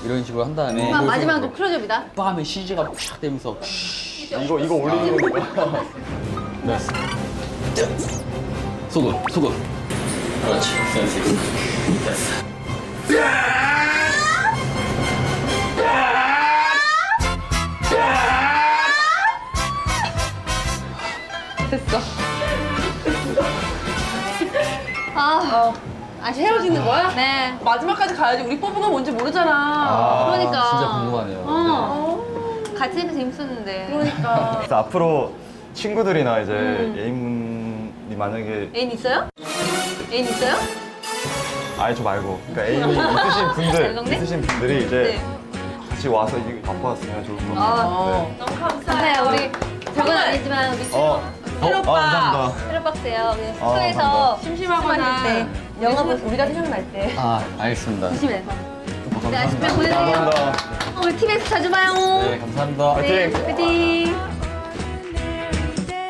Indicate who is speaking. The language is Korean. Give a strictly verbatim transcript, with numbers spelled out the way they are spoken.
Speaker 1: 이런 식으로 한 다음에
Speaker 2: 그럼 마지막으로 클로즈업이다.
Speaker 1: 빠 하면 시즈가 팍 되면서
Speaker 3: 이거 이거 올리는 거니까.
Speaker 1: 네. 소금, 소금. 그렇지, 센스 있어. 됐어.
Speaker 2: 됐어. 아, 아 새로 짓는 거야? 네.
Speaker 4: 마지막까지 가야지. 우리 뽑은 건 뭔지 모르잖아.
Speaker 3: 아,
Speaker 2: 그러니까.
Speaker 1: 진짜 궁금하네요.
Speaker 2: 어. 같이 하면 재밌었는데.
Speaker 4: 그러니까.
Speaker 3: 그래서 앞으로 친구들이나 이제
Speaker 2: 음.
Speaker 3: 애인분이 만약에
Speaker 2: 애인 있어요? 애인 있어요?
Speaker 3: 아니 저 말고 그러니까 애인이 있으신 분들
Speaker 2: 연동네?
Speaker 3: 있으신 분들이 이제
Speaker 2: 네.
Speaker 3: 같이 와서 이거 갖고 왔으면 좋을 것 같아요.
Speaker 2: 아,
Speaker 3: 네.
Speaker 4: 너무
Speaker 2: 감사해요.
Speaker 4: 감사해요.
Speaker 2: 우리 저건 아니지만 우리
Speaker 3: 어,
Speaker 4: 혜로
Speaker 3: 어,
Speaker 4: 오빠.
Speaker 3: 아, 감사합니다.
Speaker 2: 새로박스예요. 우리
Speaker 3: 아,
Speaker 2: 숙소에서
Speaker 3: 감사합니다.
Speaker 4: 심심하거나
Speaker 2: 때
Speaker 4: 영화 보 우리가 생각날 때.
Speaker 1: 아, 알겠습니다.
Speaker 2: 조심해서. 네,
Speaker 1: 감사합니다.
Speaker 2: 아쉽게 보내세요.
Speaker 3: 감사합니다.
Speaker 2: 어, 우리 티비에서 자주 봐요.
Speaker 1: 네, 감사합니다.
Speaker 2: 네,
Speaker 3: 화이팅!
Speaker 2: 화이팅!